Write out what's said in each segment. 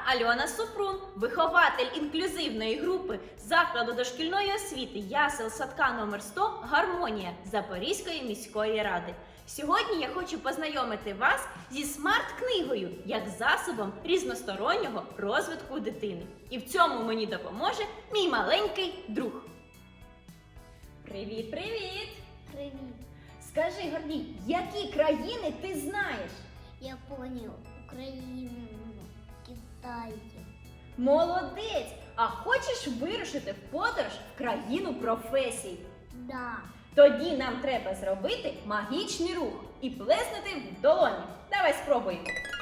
Альона Супрун, вихователь інклюзивної групи закладу дошкільної освіти ясел садка номер 100 «Гармонія» Запорізької міської ради. Сьогодні я хочу познайомити вас зі смарт-книгою як засобом різностороннього розвитку дитини. І в цьому мені допоможе мій маленький друг. Привіт-привіт! Привіт. Скажи, Гордій, які країни ти знаєш? Японію, Україну, Китай. Молодець! А хочеш вирушити в подорож в країну професій? Да. Тоді нам треба зробити магічний рух і плеснути в долоні. Давай спробуємо.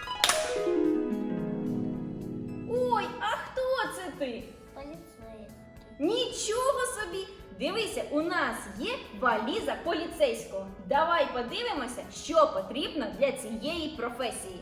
Ой, а хто це ти? Поліцейський. Нічого собі! Дивися, у нас є валіза поліцейського. Давай подивимося, що потрібно для цієї професії.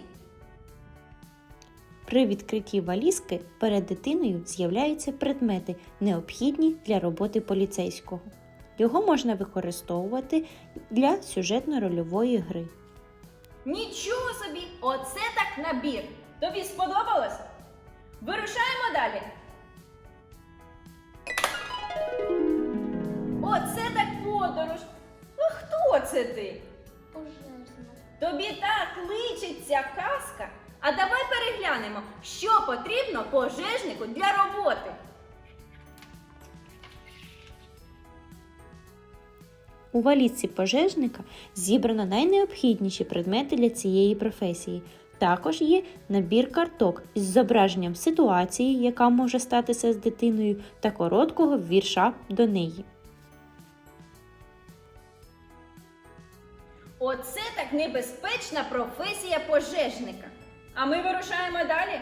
При відкритті валізки перед дитиною з'являються предмети, необхідні для роботи поліцейського. Його можна використовувати для сюжетно-рольової гри. Нічого собі! Оце так набір! Тобі сподобалось? Вирушаємо далі! Оце так подорож! А хто це ти? Пожежна. Тобі так личить ця казка. А давай переглянемо, що потрібно пожежнику для роботи. У валізці пожежника зібрано найнеобхідніші предмети для цієї професії. Також є набір карток із зображенням ситуації, яка може статися з дитиною, та короткого вірша до неї. Оце так небезпечна професія пожежника. А ми вирушаємо далі.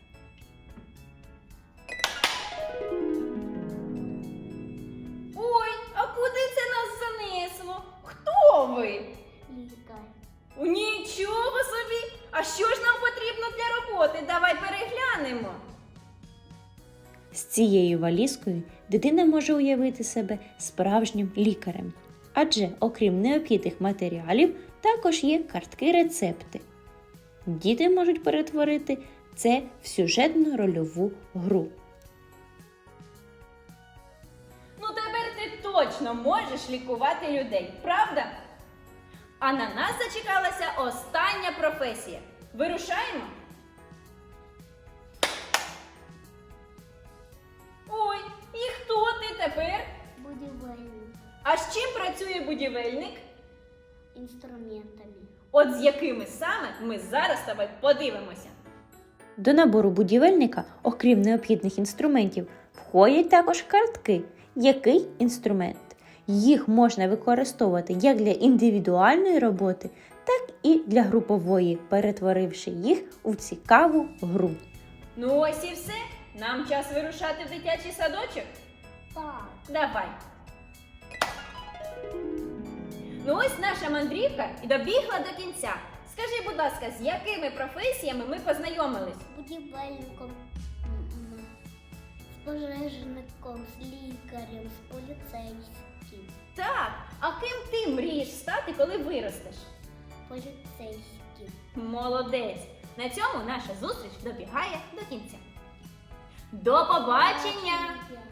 Ой, а куди це нас занесло? Хто ви? Лікар. Нічого собі! А що ж нам потрібно для роботи? Давай переглянемо. З цією валізкою дитина може уявити себе справжнім лікарем. Адже, окрім необхідних матеріалів, також є картки-рецепти. Діти можуть перетворити це в сюжетно-рольову гру. Ну тепер ти точно можеш лікувати людей, правда? А на нас зачекалася остання професія. Вирушаємо? Ой, і хто ти тепер? Будівельник. А з чим працює будівельник? Інструментами. От з якими саме ми зараз з тобою подивимося. До набору будівельника, окрім необхідних інструментів, входять також картки. Який інструмент? Їх можна використовувати як для індивідуальної роботи, так і для групової, перетворивши їх у цікаву гру. Ну ось і все. Нам час вирушати в дитячий садочок. Так. Давай. Ну ось наша мандрівка і добігла до кінця. Скажи, будь ласка, з якими професіями ми познайомились? Будівельником, з пожежником, з лікарем, з поліцейським. Так, а ким ти мрієш стати, коли виростеш? Поліцейським. Молодець! На цьому наша зустріч добігає до кінця. До побачення!